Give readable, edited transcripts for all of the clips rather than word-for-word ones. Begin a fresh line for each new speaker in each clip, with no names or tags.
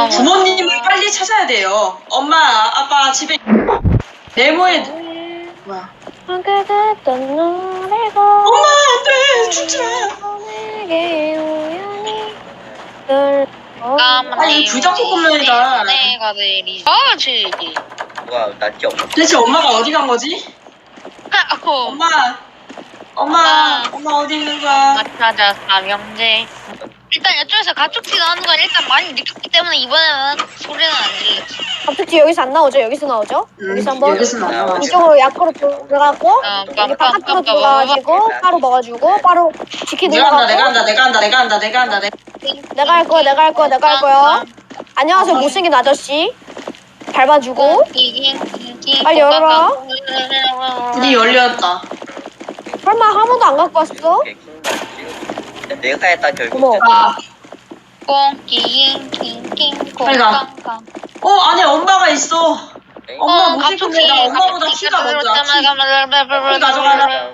부모님을 빨리 찾아야 돼요. 엄마, 아빠 집에 네모에 뭐야?
함께 듣던 노래고
엄마 안돼 죽지 마.
내게 우연히 널
아니 불닭볶음면이다.
내가 내리지.
와, 낫지 없어.
대체 엄마가 어디 간 거지? 엄마 어디 있는 거야?
맞춰자 삼형제. 일단 이쪽에서 가축티 나오는 건 일단 많이 느꼈기 때문에 이번에는 소리는 안 들렸지.
갑자기 여기서 안 나오죠? 여기서 나오죠? 여기서 한번
여기서 나와.
이쪽으로 약으로 들어가고 여기 바깥으로 들어가가지고 바로 먹어주고 바로 치킨
내가 한다.
내가 할 거야. 안녕하세요 못생긴 아저씨 밟아주고 빨리 열어라.
문이 열렸다.
설마 한 번도 안 갖고 왔어?
내가 했다 결국.
어머.
아, 빨리 가. 아니 엄마가 있어. 엄마 못 찍은데 나 엄마보다 키가 먼저 키 가져가라.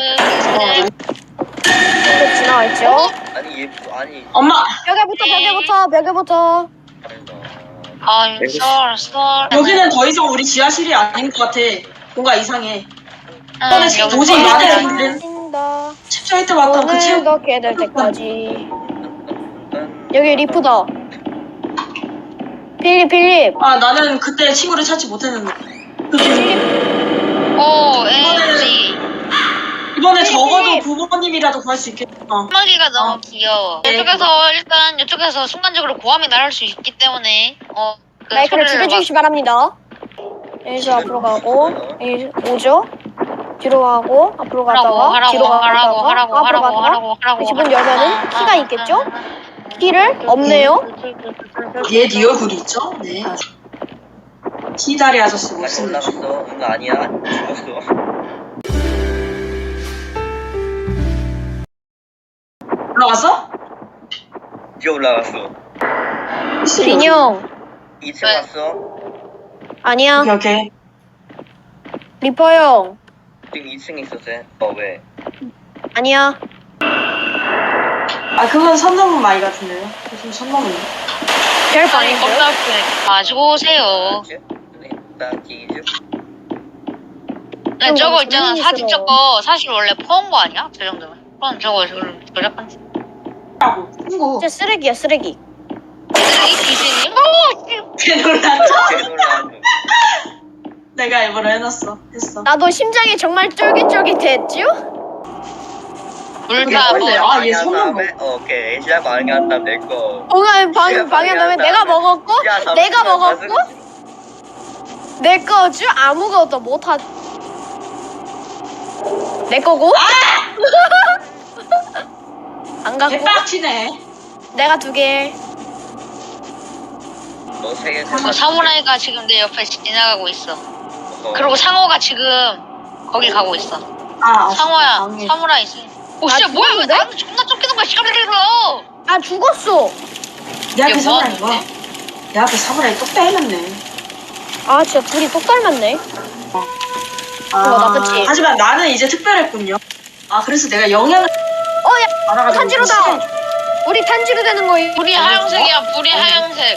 이거 지나갈죠?
아니 얘 아니.
엄마
벽에부터
I'm sorry.
여기는 더 이상 우리 지하실이 아닌 것 같아. 뭔가 이상해.
여기
도저히 말이 안 돼.
신다.
챕터 때마다 그 책.
오늘도 깨들 때까지 여기 리프다. 필립
아 나는 그때 친구를 찾지 못했는데.
오, LG.
이번에 적어도 부모님이라도 구할 수 있겠다.
한마디가 너무 귀여워. 이쪽에서 순간적으로 고함이 나올 수 있기 때문에 그
마이크를
소리를
죽여주시기 바랍니다. 여기서 앞으로 가고 여기 오죠? 뒤로 가고 앞으로 가다가 뒤로 가다가 앞으로 가다가 집은 열면은 키가 있겠죠? 키를 없네요.
얘 네 얼굴이 있죠? 네. 키다리 아저씨
다시
못생겼어.
올라갔어. 응 아니야. 죽었어.
올라갔어?
이제 올라갔어.
인형
2층
네.
왔어.
아니야.
오케이.
리퍼 형
지금 2층에 있었지. 왜?
아니야.
아 그건 선 넘은 마이 같은데요? 무슨 선 넘은?
별
아니
방인데요?
겁나 가지고 오세요.
나 기주.
네, 저거 있잖아
재밌어.
사진 저거 사실 원래 퍼온 거 아니야? 저 정도면. 그럼 저거 조작한
라고 친구.
진짜 쓰레기야 쓰레기.
이 귀신이?
개 놀랐죠?
개놀라.
내가 일부러 해놨어. 했어.
나도 심장이 정말 쫄깃쫄깃했죠?
근데 아, 얘 손만
오케이. 시작 방해한다 내 거.
방해하면 내가 먹었고 내가 먹었고 내 거죠? 아무것도 못하 내 거고? 안 갖고
개빡치네.
내가 2개.
너세 개.
사무라이가 지금 내 옆에 지나가고 있어. 그리고 상어가 지금 거기 가고 있어. 상어야,
방해.
사무라이 있어. 오, 진짜 뭐야? 왜
죽었는데?
나한테 존나 쫓기는 거야? 시간을 들어.
아 죽었어.
내 앞에
이게 뭐
사무라이 뭐야?
하는데?
내 앞에 사무라이 똑 빼해놨네.
아 진짜 둘이 똑 닮았네. 나쁘지?
하지만 나는 이제 특별했군요. 아 그래서 내가 영향을
야
알아가지고
탄지로다. 우리 탄지로 되는 거임.
불이 하얀색이야, 불이 하얀색.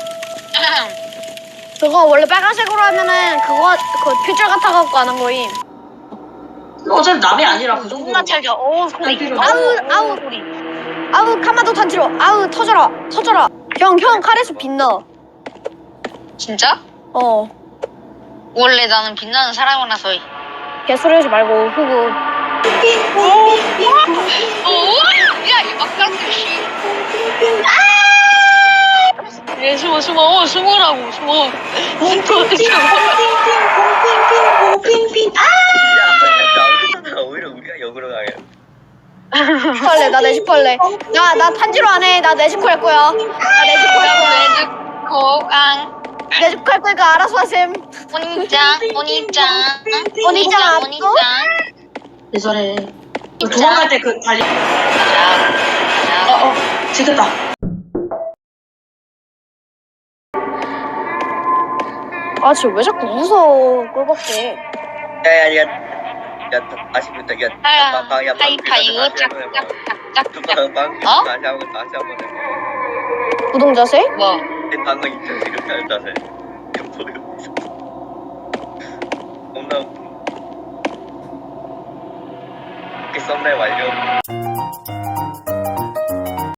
그거 원래 빨간색으로 하면은 그거 표절 같아갖고 안 한 거임.
어차피 남이 아니라 그 정도.
존나 찰져. 오, 소리.
탄지로.
아우
소리.
아우 카마도 탄지로. 아우 터져라. 형 칼에서 빛나.
진짜?
어
원래 나는 빛나는 사람이라서.
개소리 하지 말고 후구.
야, 이 막간들 씨. 얘 숨어라고. 숨어.
핑핑핑.
야, 오히려 우리가 역으로 가게.
슈퍼할래 나 내시퍼할래. 나 탄지로 안 해. 나 내시퍼 할 거야. 나 내시퍼 할 거야.
고강.
내시퍼 할 거니까 알아서 하셈.
오니짱.
앞도?
왜 저래? 도망갈 때 그 달리. 지켰다.
아 진짜 왜 자꾸 웃어 꼴밖에.
야야야. 야 다시 부터 야.
하이파이브 짝짝짝짝.
다시 한번
구동 자세?
뭐?
방금 인터넷 그렇게 한다네. 보여있어. 겁나 웃겨. 이렇게 썸네일 완료.